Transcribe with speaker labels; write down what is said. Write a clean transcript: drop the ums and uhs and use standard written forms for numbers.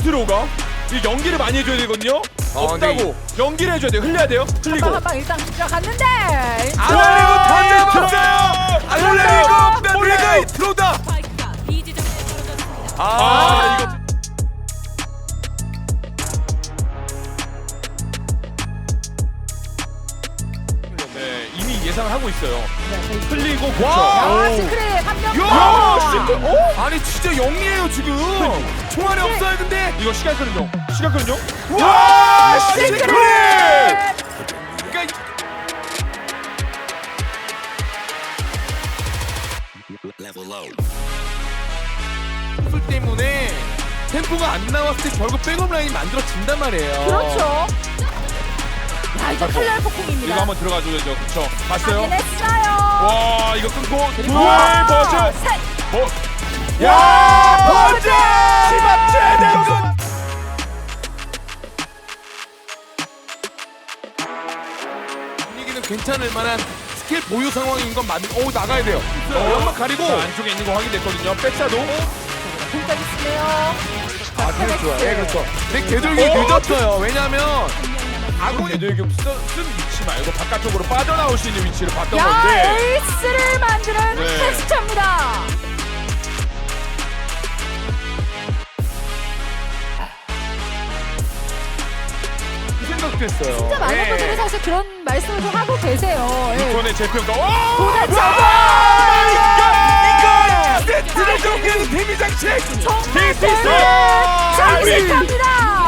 Speaker 1: 들어가? 이 연기를 많이 해줘야 되거든요. 없다고 연기를 해줘야 돼요. 흘려야 돼요. 흘리고.
Speaker 2: 한방 일단 들어갔는데.
Speaker 3: 안 흘리고 던져봤어요. 안 흘리고 우리가 들어온다.
Speaker 4: 스파이크가 B 지점에 떨어졌습니다.
Speaker 1: 이거. 네, 이미 예상을 하고 있어요. 흘리고
Speaker 3: 와!
Speaker 1: 그렇죠.
Speaker 2: 시크릿 한명
Speaker 3: 야, 진짜. 아니 진짜 영리해요 지금. 총알이 없어요 근데.
Speaker 1: 이거 시간 끄는 중. 시간 끄는 중.
Speaker 3: 와, 시크릿. 그러니까 술 때문에 템포가 안 나왔을 때 결국 백업 라인이 만들어진단 말이에요.
Speaker 2: 그렇죠. 야 이제 칼날
Speaker 1: 이거
Speaker 2: 폭풍입니다.
Speaker 1: 한번 들어가줘야죠. 그렇죠. 봤어요?
Speaker 2: 확인했어요.
Speaker 1: 와, 이거 끊고 둘 버즈.
Speaker 2: 셋.
Speaker 1: 야,
Speaker 3: 버즈! 시박 최대군! 분위기는 괜찮을 만한 스킬 보유 상황인 건 맞는. 오 나가야 돼요. 연막 가리고.
Speaker 1: 자, 안쪽에 있는 거 확인됐거든요. 백사도.
Speaker 2: 공까지 쓰네요.
Speaker 3: 그렇죠. 좋아요. 네, 그렇죠. 근데 궤돌기 늦었어요. 왜냐면
Speaker 1: 아군이 대결 쓴 위치 말고 바깥쪽으로 빠져나올 수 있는 위치를 봤던
Speaker 2: 야
Speaker 1: 건데.
Speaker 2: 에이스를 만드는
Speaker 1: 네.
Speaker 2: 테스트입니다.
Speaker 1: 그 생각도 했어요.
Speaker 2: 진짜 많은
Speaker 3: 네.
Speaker 2: 분들이 사실 그런 말씀을 좀 하고 계세요. 예.
Speaker 1: 이번에 재평가. 와!
Speaker 2: 도전
Speaker 3: 이거 세트를 정리하는 데미 장식.
Speaker 2: 정말
Speaker 1: TTC!
Speaker 2: 장식합니다.